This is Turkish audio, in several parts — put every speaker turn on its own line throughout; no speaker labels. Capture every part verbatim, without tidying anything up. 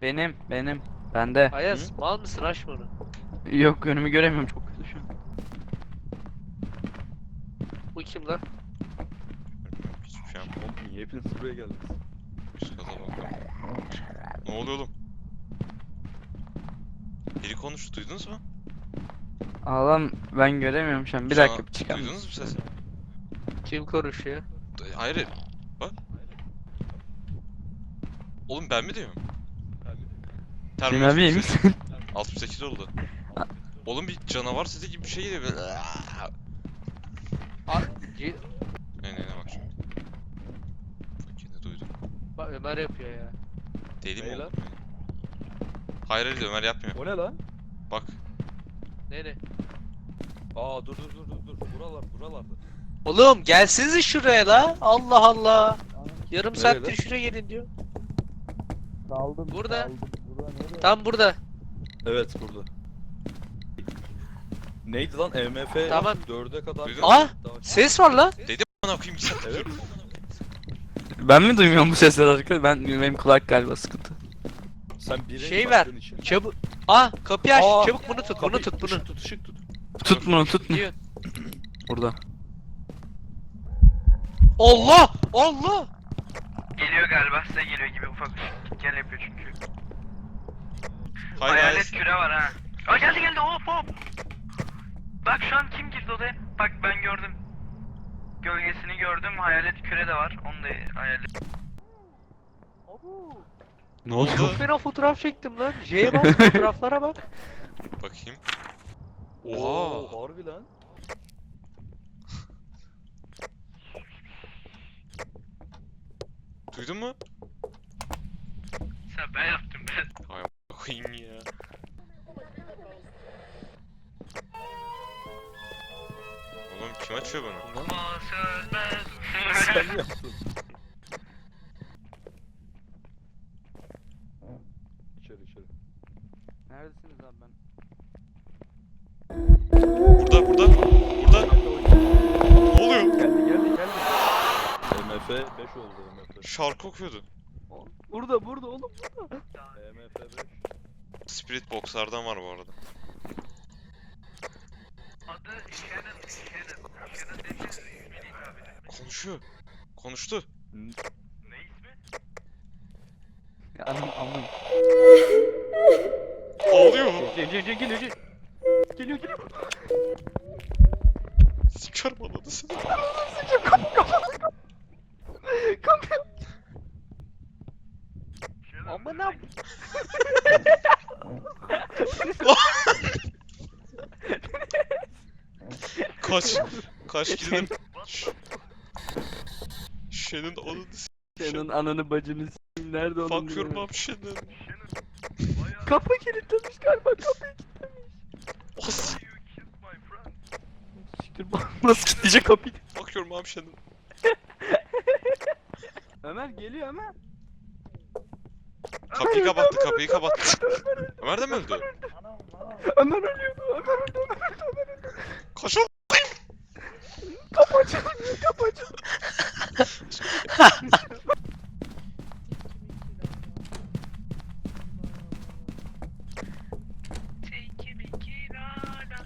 Benim, benim. Bende.
Ayaz mal mısın, aç mı onu?
Yok, önümü göremiyorum, çok kötü şu an.
Bu kim lan?
Hiçbir şey yapmadım.
Oğlum niye hepiniz buraya geldiniz?
Üst kata bakalım. Ne oluyor oğlum? Biri konuştu, duydunuz mu?
Ağlam, ben göremiyorum şu an. Bir
Şu
dakika
an
bir çıkar mısın?
Duydunuz mu sesi?
Kim konuşuyor?
D- Hayır. Bak. Oğlum ben mi diyorum?
Cem abi iyi misin?
altmış sekiz oldu. Oğlum bir canavar sesi gibi bir şey geliyor. Böyle.
A C
Ne ne ne bak şimdi. Bak yine duydum.
Bak Ömer yapıyor ya.
Deli mi
Ne
oğlum?
lan?
Hayır hayır Ömer yapmıyor.
O ne lan?
Bak.
Ne ne?
Aa dur dur dur dur dur. Buralar buralarda.
Oğlum gelsinize şuraya la. Allah Allah. Yarım
Nereye
saattir
lan?
şuraya gelin diyor.
Kaldım.
Burada.
kaldım. Burada nereye?
Tam burada.
Evet burada. Neydi lan E M F
Tamam.
dörde kadar.
Duydun
mu? Aa! Ses var lan.
Dedim bana koyayım sen.
Evet.
Ben mi duymuyorum bu sesleri arkadaşlar? Ben benim kulak galiba sıkıntı.
Sen bir
Şey
renk
ver.
baktığın için.
Çabuk. Aa kapıyı aç.
Aa,
Çabuk bunu tut. Bunu
Kapıyı-
tut bunu.
Işık tut ışık tut.
Tut bunu, tut bunu.
Diyor.
Burada.
Allah! Allah!
Geliyor galiba, size geliyor gibi ufak bir gel yapıyor çünkü.
Hayır
Hayalet
hayır.
küre var ha. Aa geldi geldi hop hop. Bak şu an kim girdi odaya? Bak ben gördüm. Gölgesini gördüm, hayalet küre de var. Onu da hayalet.
Ne oldu?
Çok fena fotoğraf çektim lan. J'ye bak, fotoğraflara bak.
Bakayım.
Oo
Oha.
harbi lan.
Duydun mu?
Sen ben yaptım ben.
Hay koyayım ya. Oğlum kim açıyor bunu?
Ama sönmez.
Sen mi yaptın? İçeri içeri.
Neredesiniz abi ben?
Burada burada. Burada. Ne oluyor?
Geldi geldi geldi. E M F beş oldu E M F.
Şarkı okuyordu.
Burada, burada oğlum.
E M F beş.
Spirit Box'lardan var bu arada.
Adı Shannon. Shannon. Shannon dediğiniz ismiyle hitap eder.
Konuşuyor. Konuştu.
Ne ismi?
Ya anam anam.
Ağlıyor.
Geliyor, geliyor, geliyor, geliyor. Geliyor, geliyor.
Sikerim ananı seni.
Kapıyor.
Shannon.
Aman am.
Kaç. Kaç gidin. Şen'in ananı s***.
Senin ananı bacını s**eyim. Nerede oğlum?
Fuck your mom Şen'in.
Shannon. Bayağı
Kapı kilitlemiş galiba, kapıyı kilitlemiş.
Os.
you killed my friend.
Siktir bak, nasıl kilitleyecek kapıyı?
Fuck your mom Şen'in.
Ömer geliyor Ömer.
Kapıyı kapattı kapıyı kapattı. Ömer de mi öldü?
Ömer ölüyordu, Ömer öldü, Ömer öldü, Ömer öldü.
Kaç oğlum.
Kapı açılmıyor, kapı açılmıyor.
Take me kirana.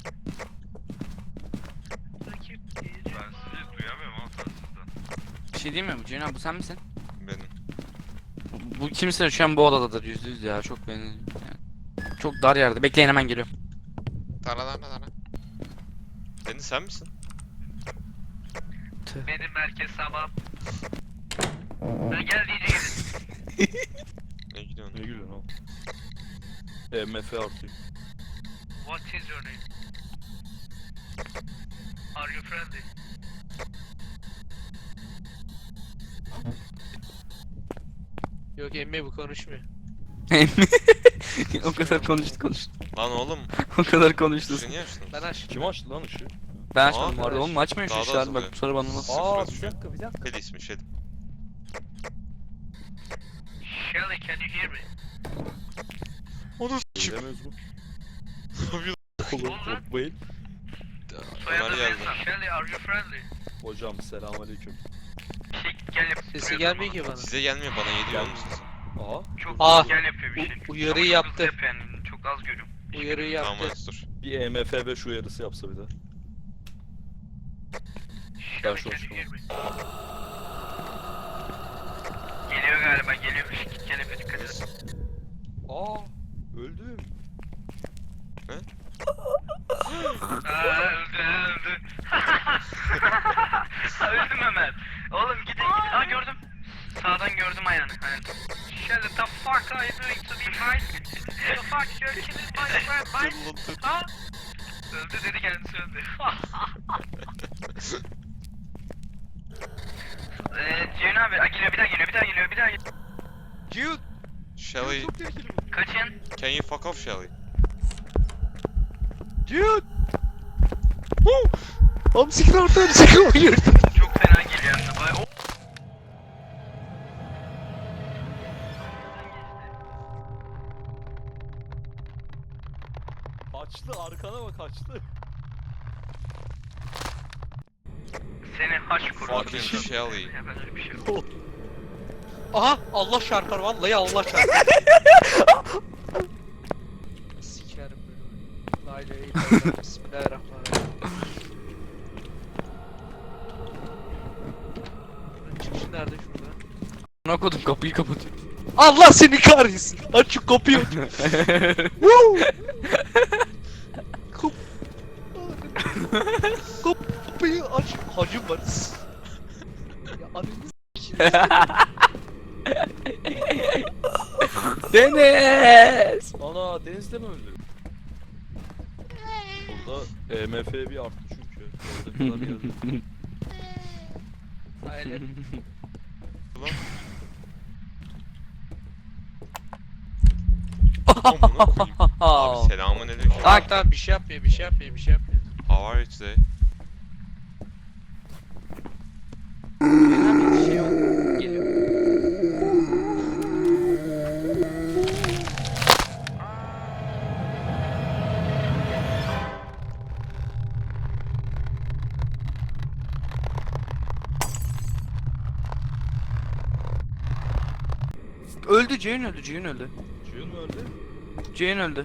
Rakiplerim ben sizi duyamıyorum ama telsizden.
Bir şey diyeyim mi? Ceyhun abi bu sen misin?
Benim.
Bu kimse şu an bu odadadır yüzde yüz ya, çok beni yani. Çok dar yerde. Bekleyin, hemen geliyorum.
Tara tara tara. Deniz sen misin?
Benim merkez sabah. Ben gel deyince gelin.
Ne gidiyorsun?
Ne gülüyorsun oğlum? E M F artıyor.
What is your name? Are you friendly?
Yok emmi bu konuşmuyor.
O kadar konuştu konuştu.
Lan oğlum.
O kadar konuştu.
Sizi niye açtın?
Ben aç.
Kim açtı lan ışığı?
Ben
Aa,
açmadım vardı
aç.
oğlum, açmayın şu
Daha da
işler,
azalıyor.
bak sonra bana nasıl.
Aa
Sıfır
bir dakika bir dakika.
Şedi ismi Şedi.
Shelly, can you hear me?
Onu s***.
Bilemez bu.
Abi
Olur
Oğlum lan.
korkmayın.
Ömer
Soyadı
geldi.
Mesa. Shelly, are you friendly?
Hocam selamünaleyküm.
Şey, gel yap.
Sesi gelmiyor ki bana.
Size gelmiyor bana yediyor
Gel.
oğlum siz.
Aha.
Çok
Aa.
gel yapıyor bir şey.
U- uyarıyı
Ama çok
yaptı.
hızlı yapıyor yani. Çok az görüyorum.
Uyarıyı
Tamam
yaptı.
hadi dur.
Bir E M F beş uyarısı yapsa bir de. Ben şu an
Geliyor galiba geliyor. Gel yapıyor dikkat edin.
Aa. Öldüm.
Aa öldü öldü. Öldüm hemen. Oğlum gidin gidin. Aa gördüm. Sağdan gördüm ayağını. Aynen. Shut the fuck are you doing to me mate? The fuck you're killing my friend mate? Ha? Öldü dedi kendisi öldü. Eee Ceyhun abi aa, geliyor bir daha geliyor bir daha geliyor bir daha geliyor.
Jude.
Shelly,
Kaçın.
can you fuck off Shelly?
Jude. Hamsikin ortadan çıkıyor.
Çok fena geliyor hem de. Bay- O-
Kaçtı arkana bak kaçtı.
Seni haş kurdu.
Fucking Shelly.
Ya ben öyle bir şey yok.
Aha Allah çarpar vallahi Allah çarpar. Sikerim böyle. La ilahe illallah. Bismillahirrahmanirrahim. Bunun çıkışı nerede şurada?
Buna kodum kapıyı kapatıyor.
Allah seni kahretsin. Aç şu kapıyı. Woo! Kap kapıyı aç. Hacım var. Ya ananı s**eyim.
Deniz!
Ana denizde mi öldü? Burada E M F bir arttı çünkü. Orada kadar geldi.
Aynen.
Amına koyayım. Abi selamun aleyküm.
Tamam tamam bir şey yapmıyor bir şey yapmıyor bir şey yapmıyor.
How are you today?
Fena bir şey yok. Geliyor.
Öldü Ceyhun öldü Ceyhun öldü.
Ceyhun mu öldü?
Ceyhun öldü.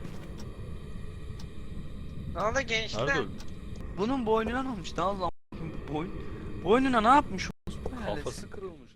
Ne oldu gençler?
Nerede öldü?
Bunun boynuna ne olmuş? Daha lan bu boyun. Boynuna ne yapmış?
Kafası kırılmış